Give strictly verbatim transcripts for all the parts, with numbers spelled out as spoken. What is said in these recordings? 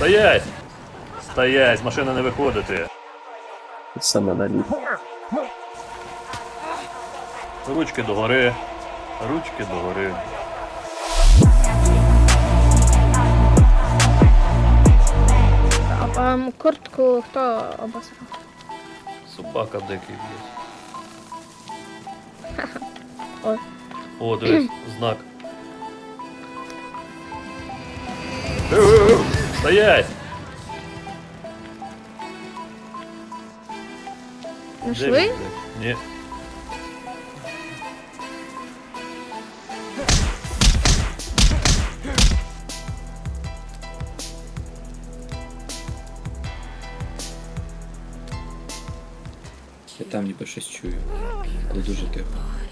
Стоять! Стоять, з машини не виходити. Саме на лід. Ручки догори. Ручки догори. А, а куртку хто обосрав? Собака дикий б'є. Ой. О, дивись, знак. Стоять! Де Нашли? він, блядь? Ні. Я там ніби щось чую. Але дуже тихо.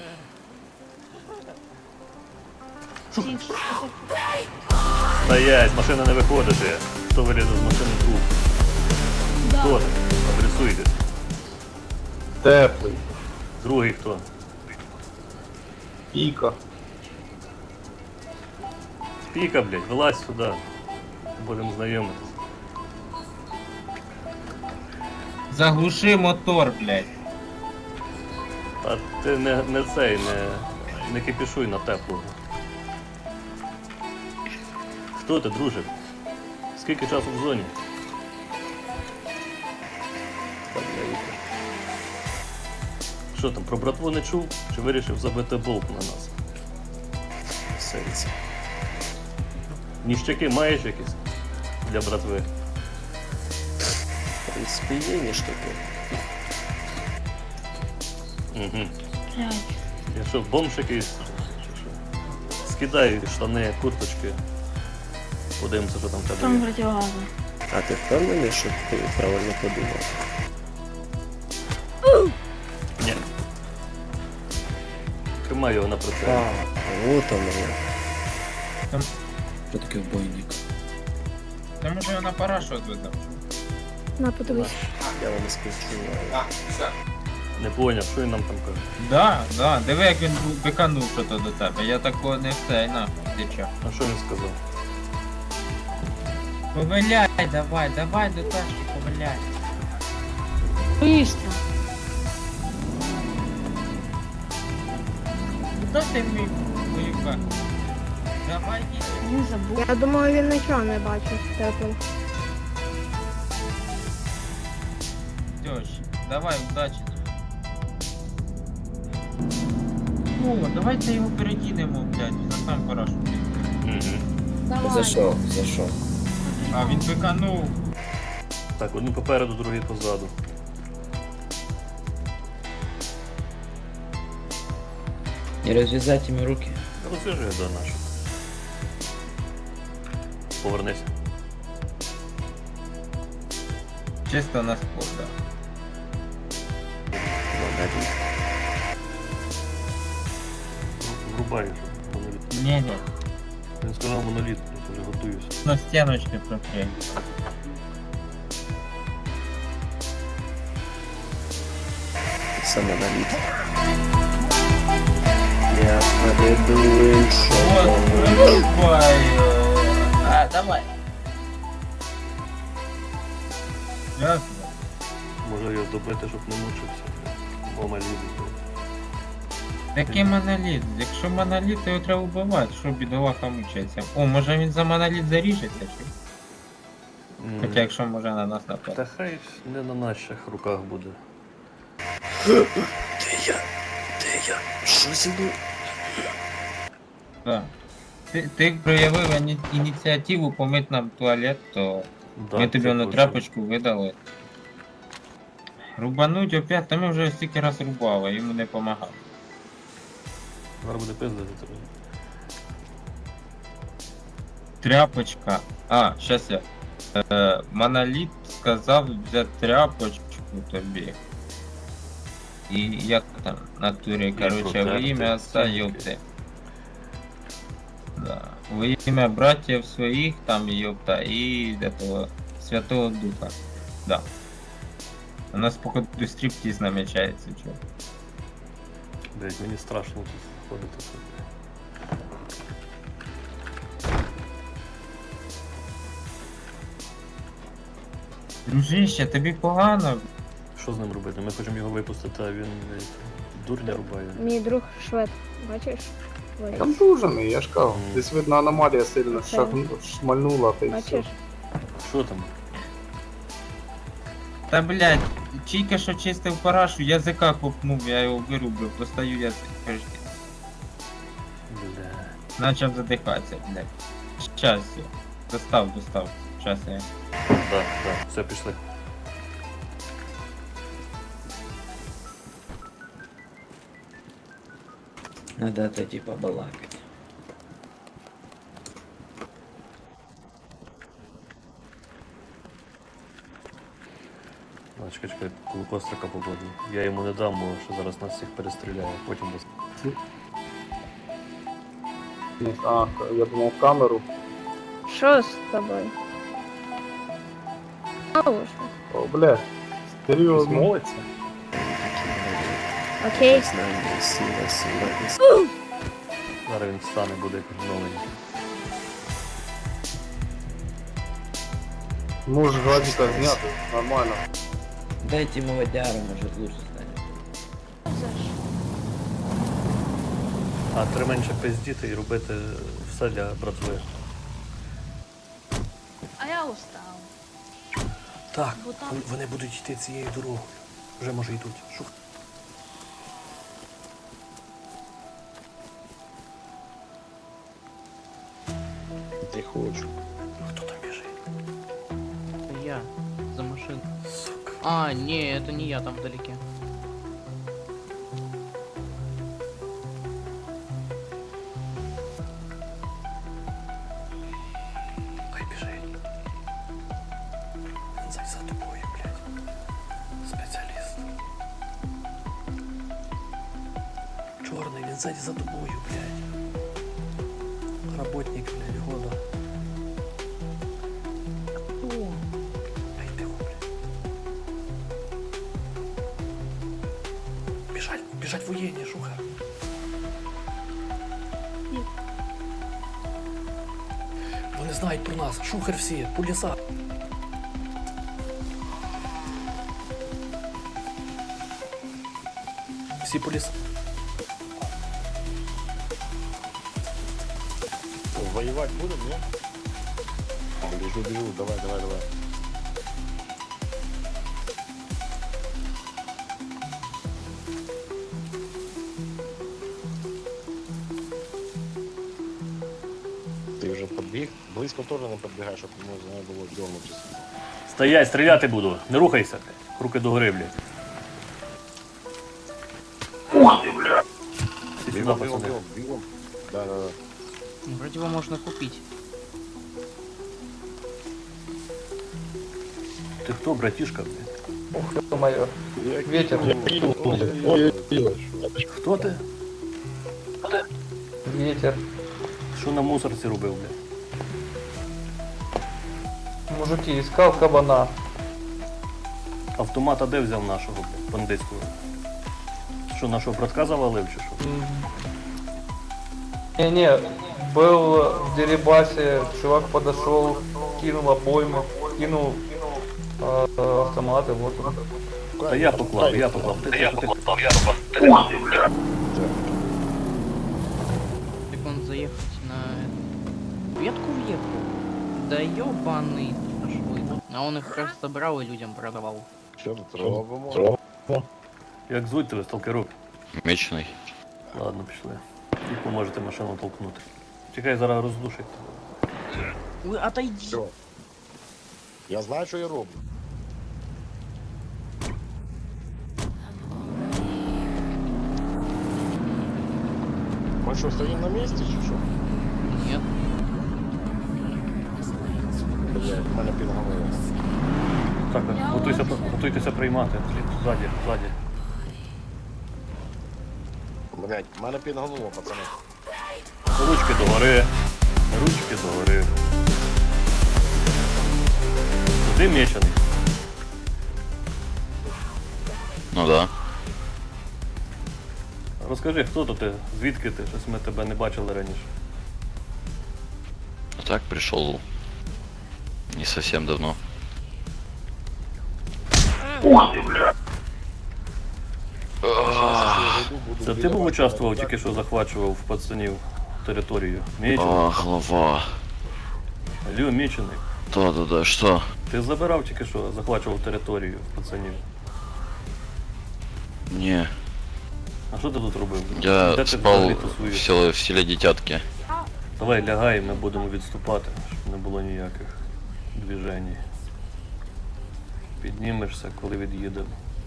Стоять, з машини не виходити. Хто вилізе з машини труп? Хто? Адресуйте. Теплий. Другий хто? Піка. Піка, блядь, вилазь сюди. Будемо знайомитися. Заглуши мотор, блядь. А ти не, не цей, не, не кипішуй на теплу. Хто ти, друже? Скільки часу в зоні? Так, я їхав. Що там, про братву не чув? Чи вирішив забити болт на нас? Серце. Ніщаки маєш якісь для братви? В принципі, є ніштяки. Угу. Я що, бомж якийсь? Чи що? Скидай штани, курточки. Подивимося, що там в тебе Там є. противогазы. А ти впевнений, що ти правильно подумав? Ні. Тримай його на прицелі. А, от воно. Там- Що таке вбойник? Та може я на парашу відведав. На, подивись. Я вам співчуваю. Не поняв, що він нам там каже. Да, да, диви як він бу- биканув що-то до тебе. Я такого не цей нахуй, дича. А що він сказав? Повиляй, давай, давай до тачки, повиляй. Быстро. Куда ти мій воюка? Давай, їдь. Не забудь. Я думаю, він нічого не бачив теплим. Тьощ, давай, удачі. О, давайте його перекинемо, блядь, на сам парашу. Угу. Давай. За що? За що? А він биканув. Так, одну попереду, другий позаду. Не розв'язайте мені руки. Розв'яжи до нашу. Повернися. Чисто на спорт, да. Молодець. Врубай, що моноліт. Ні-ні, Він сказав моноліт, я вже готуюся. на стіночки прикрий. Саме на лід. Я поведу іншого. Вырубаю. А, давай. Ясно. Може його добити, щоб не мучився. Бо маліт. Такий моноліт. Якщо моноліт, то його треба вбивати, що бідолаха мучається. О, може він за моноліт заріжеться, чи? Хоча якщо може на нас напасти. Та хай не на наших руках буде. Де я? Де я? Що зі мною? Так. Ти, ти проявив іні- ініціативу помити нам туалет, то Да, ми тобі це на точно. тряпочку видали. Рубануть опять, та ми вже стільки раз рубали, йому не помагав. Зараз буде пиздити тебе. Тряпочка. А, щас я. Е, Моноліт сказав взяти тряпочку тобі. І як там в натурі, короче, во протерти ім'я отца, стінки. ёпти. Да. Во ім'я братьев своїх, там, ёпта, і этого Святого Духа. Да. У нас, походу, стриптиз намечається, чё. Блять, мені страшно тут ходити. Дружище, тобі погано? Що з ним робити? Ми хочемо його випустити, а він е, дурня рубає. Мій друг швед, бачиш? Ой, Контужений, я ж кажу. Мгм. Десь видно аномалія сильно Це. шагну- шмальнула, та й все. бачиш? Що там? Та блядь, тільки що чистив парашу, язика копнув, я його вирубив, достаю язик. кажу, Бля. Начав задихатися, блядь. Щас я. Достав, достав. Щас я. Так, так, все, пішли. Надо тоді побалакати. А, чекай, чекай, коли кострика погоду. Я йому не дам, бо що зараз нас всіх перестріляє, потім десь. А, я думав камеру. Що з тобою? Знову ж. О, бля. Серйозно. Молиться? Окей. Знання, сила, сила, сила. Зараз він встане, буде як новенький. Можеш гладіка зняти, нормально. Дайте ему водяру, может лучше станет. А треба менше пиздіти і робити все для братви. А я устал. Так, Бо там- вон- вони будуть йти цією дорогою. Вже може йдуть. Шух. Ты хочешь. Хто там біжить? Я за машиной. Сука. А, не, это не я там вдалеке. Хай біжить. Він за тобою, блядь. Спеціаліст. Чорний, він ззаді за тобою, блядь. Работник, блядь, года. Ай, бігу, блядь. Біжать, біжать воєнні, шуха. Вони знають про нас. Шухер всі, по лісах. Всі по лісах. Воевать будем, нет? Бежу, бежу, давай, давай, давай. Ти вже подбіг? Близько теж не підбігай, щоб не було дьорнутися. Стоять, стріляти буду. Не рухайся. блядь. Руки догори, блядь. Ух ти, блядь. Ти сюди, Бігом, бігом, пацани. бігом, бігом. Да, да, да. Ну, вроде его можно купить. Ти хто, братішка, блядь? Ох, ё-моё. Ветер. Хто ти? Ветер. Що на мусорці робив, блядь? Мужики, искал кабана. Автомата де взяв нашого, блядь, бандитського? Що, нашого братка завалив чи що? Не-не, был в Дерибасе, чувак подошел, кинул обойму, кинул э, э, автоматы, вот он. Та я поклав, я поклав. Ти, ти, ти, ти. Так он заехать на эту ветку въехал. Да ёбаный швы. А он их просто брал и людям продавал. Що тут робимо? Як звуть тебе, сталкерок? Мечений. Ладно, пішли. І поможете машину толкнути. Чекай, зараз роздушить. Вы отойди. Все. Я знаю, що я роблю. Ми що, стоїмо на місці чи що? Нет. Блядь, в мене підгамило. Так, готуйся, готуйтеся приймати. Ззаді, ззаді. Блядь, в мене підгамило, пацани. Ручки догори. Ручки догори. Куди мечений? Ну да. Розкажи, хто то ти? Звідки ти? Щось ми тебе не бачили раніше. Так пришел не совсем давно. Це ти був участвував, тільки що захвачував в пацанів територію? Мічений? А, голова. Алло, Мічений. Да-да-да, что? Ти забирав тільки що, захвачував територію в пацанів. Не, А що ти тут робив? Де я ти спал взагалі в тусуєш? селе, в селе Дитятки. Давай лягай, ми будемо відступати, щоб не було ніяких движень. Піднімешся, коли від'їдемо.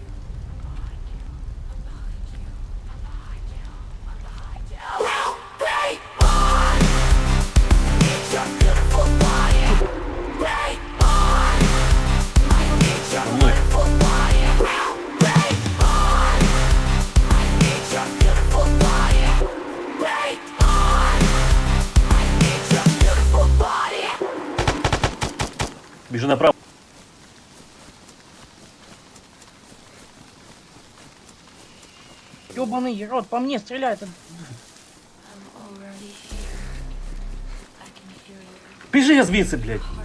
За мною. Біжи направо. Ёбаный рот, по мне стреляет. Біжи я звідси, блядь.